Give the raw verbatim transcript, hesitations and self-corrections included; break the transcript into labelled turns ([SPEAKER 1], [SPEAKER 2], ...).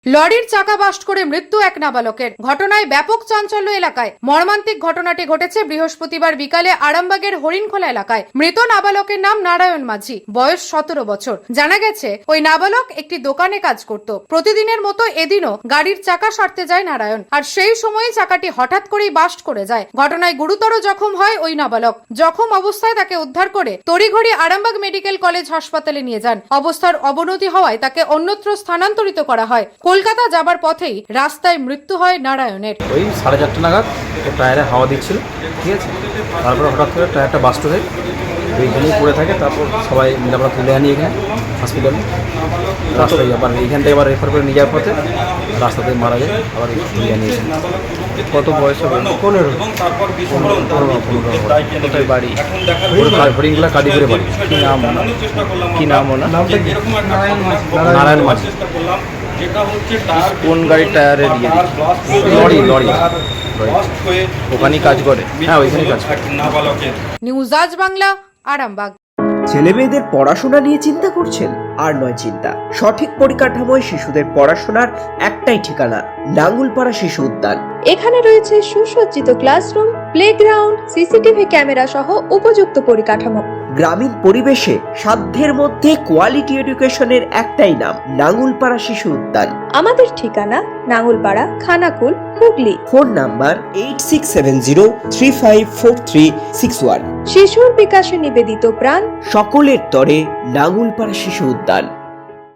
[SPEAKER 1] লরির চাকা বাস্ট করে মৃত্যু এক নাবালকের। ঘটনায় ব্যাপক চাঞ্চল্য এলাকায়। মর্মান্তিক ঘটনাটি ঘটেছে বৃহস্পতিবার বিকালে আরামবাগের হরিণখোলা এলাকায়। মৃত নাবালকের নাম নারায়ণ মাঝি, বয়স সতেরো বছর। জানা গেছে ওই নাবালক একটি দোকানে কাজ করত। প্রতিদিনের মতো এদিনও গাড়ির চাকা সারতে যায় নারায়ণ, আর সেই সময় চাকাটি হঠাৎ করেই বাস্ট করে যায়। ঘটনায় গুরুতর জখম হয় ওই নাবালক। জখম অবস্থায় তাকে উদ্ধার করে তড়িঘড়ি আরামবাগ মেডিকেল কলেজ হাসপাতালে নিয়ে যান। অবস্থার অবনতি হওয়ায় তাকে অন্যত্র স্থানান্তরিত করা হয়। কলকাতা যাবার পথেই রাস্তায় মৃত্যু হয় নারায়ণের।
[SPEAKER 2] ওই সাড়ে চারটে নাগাদ টায়ারে হাওয়া দিচ্ছিল, ঠিক আছে। তারপরে হঠাৎ করে টায়ারটা বাস্ট হয়ে ওইখানেই পড়ে থাকে। তারপর সবাই মিলে আমরা তুলে আনি এখানে হসপিটালে। রাস্তায় আবার এইখান থেকে আবার রেফার করে নিয়ে যাওয়ার পথে রাস্তাতে মারা যায়। আবার তুলে আনিয়েছেন।
[SPEAKER 3] কত বয়স হবে?
[SPEAKER 2] পনেরো পনেরো
[SPEAKER 3] কোথায় বাড়ি?
[SPEAKER 2] হরিণগুলা কাদিপুরে বাড়ি।
[SPEAKER 3] কি নাম কি নাম ওনার?
[SPEAKER 2] নামটা কি? নারায়ণ মাঝি।
[SPEAKER 3] কোন গাড়ির টায়ারে দিয়ে
[SPEAKER 2] লরি লরি
[SPEAKER 3] ওখানেই কাজ করে?
[SPEAKER 2] হ্যাঁ ওইখানেই কাজ করে।
[SPEAKER 1] নিউজ আজ বাংলা, আরামবাগ।
[SPEAKER 4] ছেলে মেয়েদের পড়াশোনা নিয়ে চিন্তা করছেন? আর নয় চিন্তা। সঠিক পরিকাঠামোয় শিশুদের পড়াশোনার একটাই ঠিকানা, নাঙ্গুলপাড়া শিশু উদ্যান।
[SPEAKER 5] এখানে রয়েছে সুসজ্জিত ক্লাসরুম, প্লেগ্রাউন্ড, সিসিটিভি ক্যামেরা সহ উপযুক্ত পরিকাঠামো।
[SPEAKER 4] গ্রামীণ পরিবেশে সাধ্যের মধ্যে কোয়ালিটি এডুকেশনের একটাই নাম, নাঙ্গুলপাড়া শিশু উদ্যান।
[SPEAKER 5] আমাদের ঠিকানা Nangulpara, Khanakul, Hooghly.
[SPEAKER 4] Phone number eight six seven zero three five four three six one.
[SPEAKER 5] শিশুর বিকাশে নিবেদিত প্রাণ,
[SPEAKER 4] সকলের তরে নাঙ্গুলপাড়া শিশু উদ্যান।